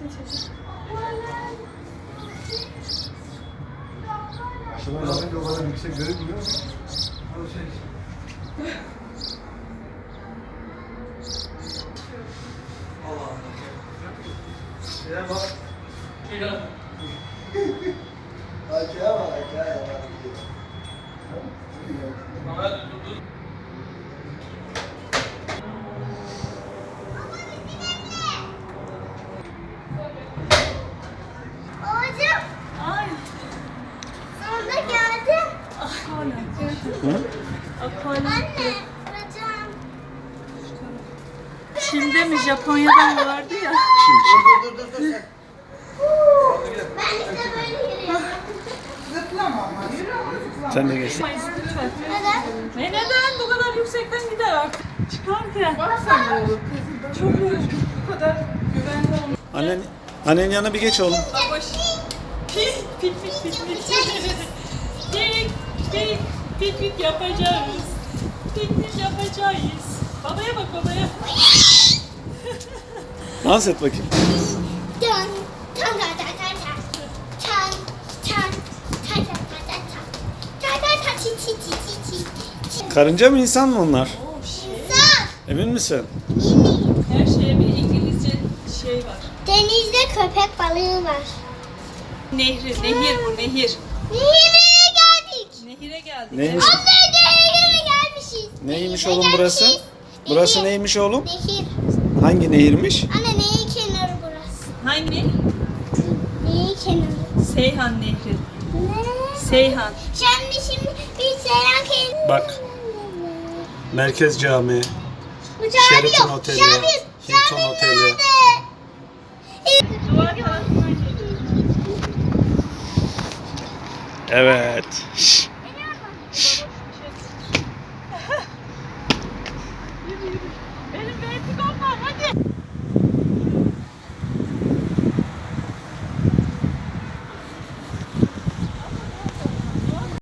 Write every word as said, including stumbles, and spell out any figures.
Aşağıdan bakınca o kadar yüksek görünmüyor mu? O şey. Allah Allah. Şeye bak. Akaya bak, akaya bak. Babacığım. Ay. Sonunda geldim. Ah, hala. Evet. Ah, hala. Anne. Bacağım. Çin'de mi Japonya'da mı vardı ya? Dur dur dur dur sen. Ben işte böyle yürüyorum. Sen de geç. Mayıs lütfen. Neden? Ne neden bu kadar yüksekten gider artık? Çıkarken. Çok yorucu. Bu kadar güvenli olmak. Annen, annenin yanına bir geç oğlum. Baboş. Pik pik pik pik pik. Pik pik pik pik yapacağız. Pik pik yapacağız. Babaya bak babaya. Dans et bakayım. Dön. Tan tan tan tan tan. Tan tan tan tan tan tan tan. Tan tan tan çi çi çi çi çi. Karınca mı insan mı onlar? Oh şey. İnsan. Emin misin? Her şeye bir İngilizce şey var. Denizde köpek balığı var. Nehri, nehir bu nehir. Nehire geldik. Nehire geldik. Neymiş? Anne nehire gelmişiz. Neymiş Nehire oğlum burası? gelmişiz. Burası Nehir. neymiş oğlum? Nehir. Hangi nehirmiş? Anne nehir kenarı burası. Hangi? Nehir kenarı. Seyhan Nehri. Ne? Seyhan. Şimdi şimdi bir selam kenarı. Bak. Merkez Camii, Bu çağırıyor. Sheraton Oteli, Şamil, Hilton Şamil Oteli. nerede? Duvar tarafından Evet. Şşş. Benim vertikom var hadi.